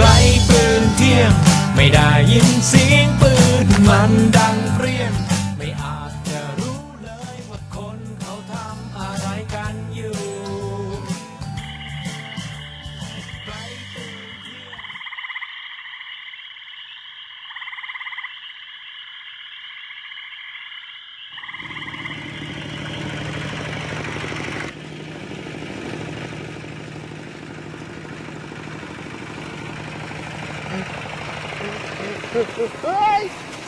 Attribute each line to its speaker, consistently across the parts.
Speaker 1: ไกลปืนเที่ยงไม่ได้ยินเสียงปืนมันดังเปรี้ยงไม่อาจจะรู้เลยว่าคนเขาทำอะไรกันอยู่ไกลปืนเที่ยง
Speaker 2: เฮ้ย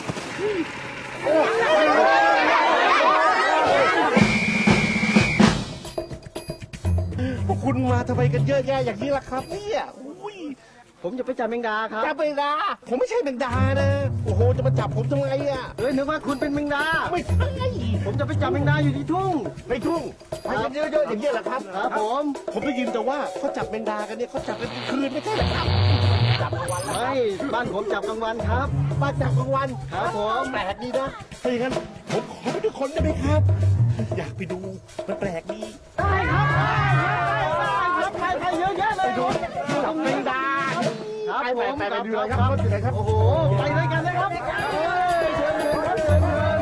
Speaker 2: พวกคุณมาทำไมกันเยอะแยะอย่างนี้ล่ะครับเนี่ยอุ้ย
Speaker 3: ผมจะไปจับแมงดาครับ
Speaker 2: จับแมงดาผมไม่ใช่แมงดานะโอ้โหจะมาจับผมทำไมอ่ะ
Speaker 3: เฮ้ยนึกว่าคุณเป็นแมงดา
Speaker 2: ไม่ใช่
Speaker 3: ผมจะไปจับแมงดาอยู่ที่ทุ่ง
Speaker 2: ไปทุ่งไปกันเยอะๆอย่างนี้แหละครับ
Speaker 3: ครับผม
Speaker 2: ผมได้ยินแต่ว่าเขาจับแมงดากันเนี่ยเขาจับกันกลางคืนไม่ใช่เหรอครับจับกลางวันแล้ว
Speaker 3: ไม่บ้านผมจับกลางวันครับ
Speaker 2: มาจับกลางวัน
Speaker 3: ครับผม
Speaker 2: แปลกดีนะถ้าอย่างนั้นผมขอไปด้วยคนได้ไหมครับ อยากไปดูมันแปลกดี
Speaker 3: ได้ครับไปเยอะแยะเลย
Speaker 2: ดูจับแมงดา
Speaker 3: ครับ
Speaker 2: ไป
Speaker 3: ผม
Speaker 2: ไปดูเลยครับดูเลยครับ
Speaker 3: โอ้โหไปด้วยกันเลยครับเชิญครับเชิญ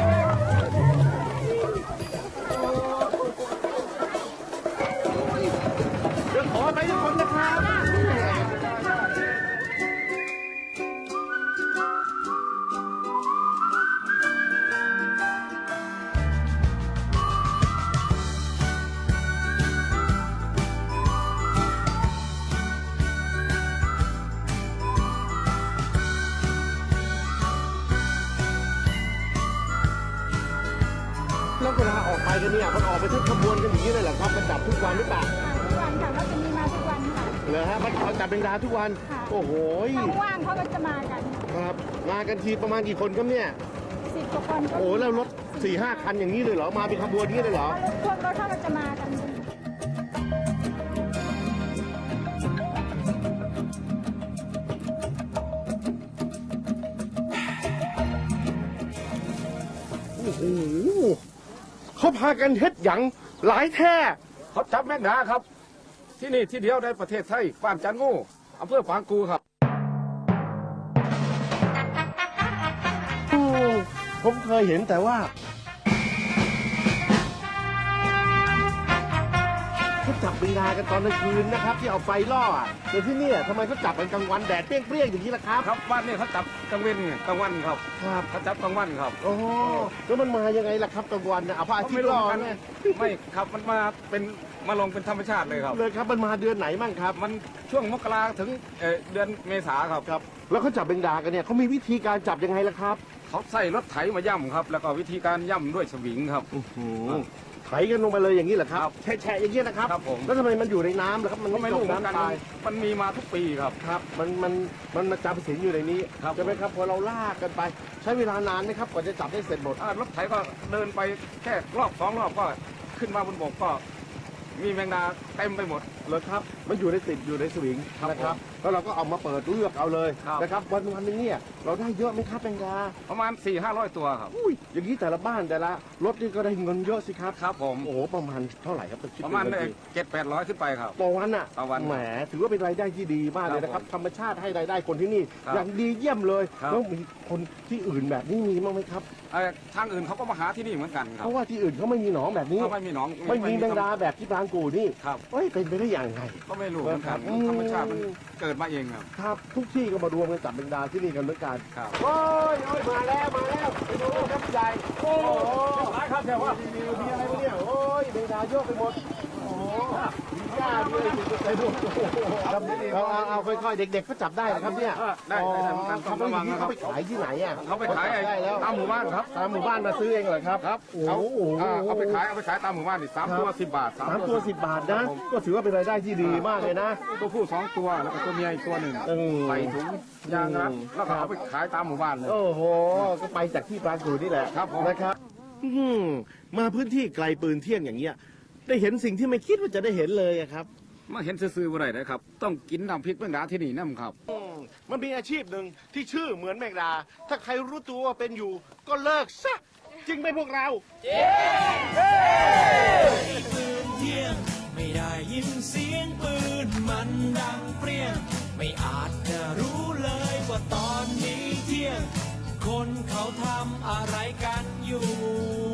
Speaker 2: เดี๋ยวขอไปทุกคนนะครับ แล้วเวลาออกไปกันเนี่ยมันออกไปทุกขบวนกันอย่างนี้เลยเหรอครับมันจับทุกวันหรือเปล่า
Speaker 4: ทุกวันค่ะเราจะมีมาทุกวันค่ะ
Speaker 2: เหรอฮะมันจับแมงดาทุกวัน
Speaker 4: ค่ะ
Speaker 2: โอ้โห
Speaker 4: ถ้าว่างเขาก็จะมากัน
Speaker 2: ครับมากันทีประมาณกี่คนครับเนี่ย
Speaker 4: 10 กว่าคนก็
Speaker 2: โอ้โหแล้วรถ4-5 คันอย่างนี้เลยเหรอมาเป็นขบวนนี้เลยเหรอ
Speaker 4: พวกรถเขาก็จะมากัน
Speaker 2: โอ้โหเขาพากันเฮ็ดหยังหลายแท้
Speaker 5: เขาจับแมงดาครับ ที่นี่ที่เดียวในประเทศไทยบ้านจันงูอำเภอปางกูครับ
Speaker 2: ผมเคยเห็นแต่ว่าเขาจับแมงดากันตอนกลางคืนนะครับ ที่เอาไฟล่ออะแต่ที่เนี่ยทำไมเขาจับกันกลางวันแดดเปรี้ยงๆอย่างนี้ล่ะครับ
Speaker 5: ครับบ้านนี้เขาจับกลางเว้นกลางวันครับ
Speaker 2: ครับ
Speaker 5: เขาจับกลางวันครับ
Speaker 2: โอ้โหแล้วมันมายังไงล่ะครับกลางวันนะเอาพระอาทิตย์ล่อ
Speaker 5: กัน
Speaker 2: เนี่ย
Speaker 5: ไม่ครับมันมาเป็นมาลงเป็นธรรมชาติเลยครับ
Speaker 2: เลยครับมันมาเดือนไหนมั่งครับ
Speaker 5: มันช่วงมกราถึงเดือนเมษาครับ
Speaker 2: ครับ แล้วเขาจับแมงดากันเนี่ยเขามีวิธีการจับยังไงล่ะครับ
Speaker 5: เขาใส่รถไถมาย่ำครับ แล้วก็วิธีการย่ำด้วยสวิงครับ
Speaker 2: ไถกันลงไปเลยอย่างนี้เหรอครับ
Speaker 5: ครับ
Speaker 2: แฉะๆอย่างนี้นะครับ
Speaker 5: ครับผม
Speaker 2: แล้วทำไมมันอยู่ในน้ำล่ะครับ มัน
Speaker 5: ก็
Speaker 2: ไม่
Speaker 5: ไม่
Speaker 2: จ
Speaker 5: รู้
Speaker 2: ม
Speaker 5: เหมือนกัน
Speaker 2: น้ำตาย
Speaker 5: มันมีมาทุกปีครับ
Speaker 2: ครับ มันมาจำสินอยู่ในนี้
Speaker 5: ครับ
Speaker 2: ใช่ไหมครับพอเราลากกันไป ใช้เวลานานไหมครับกว่าจะจับได้เสร็จหมด
Speaker 5: รถไถก็เดินไปแค่รอบ2 รอบก็ขึ้นมาบนบกก็มีแมงดาเต็มไปหมด
Speaker 2: เลยครับ มันอยู่ในติดอยู่ในสวิง
Speaker 5: ครับ
Speaker 2: นะครับ แล้วเราก็เอามาเปิดเลือกเอาเลย
Speaker 5: ครับ
Speaker 2: นะครับ วันหนึงเนี่ยเราได้เยอะไหมครับแมงดา
Speaker 5: ประมาณ 400-500 ตัวครับ
Speaker 2: อุ้ยอย่างนี้แต่ละบ้านแต่ละรถนี่ก็ได้เงินเยอะสิครับ
Speaker 5: ครับผม
Speaker 2: โอ้โหประมาณเท่าไหร่ครับคิด
Speaker 5: ประมาณ
Speaker 2: เป็นเงินที
Speaker 5: 700-800 ขึ้นไปครับ
Speaker 2: ต่อวันอ่ะ
Speaker 5: ต่อวัน
Speaker 2: แหมถือว่าเป็นรายได้ที่ดีมากเลยนะครับ ธรรมชาติให้รายได้คนที่นี่
Speaker 5: ครับ
Speaker 2: อย่างดีเยี่ยมเลย
Speaker 5: ครับ
Speaker 2: แล้วมีคนที่อื่นแบบนี้มีบ้างไหมครับ
Speaker 5: ทางอื่นเขาก็มาหาที่นี่เหมือนกันครั
Speaker 2: เพ
Speaker 5: บ
Speaker 2: ราะว่าที่อื่นเขาไม่มีหนองแบบนี้
Speaker 5: เขาไม่มีหนอง
Speaker 2: ไม่มีแมงดาแบบที่บางกูนี่
Speaker 5: ครับ
Speaker 2: เอ้ยเป็นไปได้อย่างไร
Speaker 5: ก็ไม่รู้เหมือนกัน
Speaker 2: อืม
Speaker 5: ธรรมชาติมันเกิดมาเองครับ
Speaker 2: ครับทุกที่ก็มารวมกันจับแมงดาที่นี่กันเหมือนกัน
Speaker 5: ครับ
Speaker 2: โอ้ยมาแล้วไปดูครับใหญ่โอ้โห
Speaker 5: หลายครับแต่ว่า
Speaker 2: มีอะไรวะเนี่ยโอ้ยแมงดาเยอะไปหมดโอ้โหมีหญ้าด้วยไปดูโอ้โหครับเอาค่อยๆเด็กๆก็จับได้นะครับเนี่ย
Speaker 5: ได้เหมือนกัน
Speaker 2: เขา
Speaker 5: ต้องระวังนะค
Speaker 2: เขา
Speaker 5: รับ
Speaker 2: ไปขายที่ไหนอ่ะ
Speaker 5: เขาไปขาย
Speaker 2: ได้แล้ว
Speaker 5: ตามหมู่บ้านครับ
Speaker 2: ตามหมู่บ้านมาซื้อเองเหรอครับ
Speaker 5: ครับ
Speaker 2: โอ้โห
Speaker 5: เอาไปขายตามหมู่บ้านนี่3 ตัว 10 บาท
Speaker 2: สามตัว10 บาทนะ ก็ถือว่าเป็นรายได้ที่ดีมากเลยนะ
Speaker 5: ตัวผู้2 ตัวแล้วก็ตัวเมียอีกตัวหนึ่ง
Speaker 2: อืม
Speaker 5: ใส่ถุงยางรัดแล้วก็เอาไปขายตามหมู่บ้านเลย
Speaker 2: โอ้โห ก็ไปจากที่บางกูนี่แหละ
Speaker 5: ครับผม
Speaker 2: นะครับมาพื้นที่ไกลปืนเที่ยงอย่างเงี้ย ได้เห็นสิ่งที่ไม่คิดว่าจะได้เห็นเลยอะครับ
Speaker 5: มาเห็นซื่อๆบ่ได้นะครับ ต้องกินน้ำพริกแมงดาที่นี่น้ำครับ
Speaker 2: มันมีอาชีพหนึ่งที่ชื่อเหมือนแมงดา ถ้าใครรู้ตัวว่าเป็นอยู่ ก็เลิกซะ จริงไหมพวกเรา
Speaker 1: ปืนเที่ยงไม่ได้ยินเสียงปืนมันดังเปรี้ยงไม่อาจจะรู้คนเขาทำอะไรกันอยู่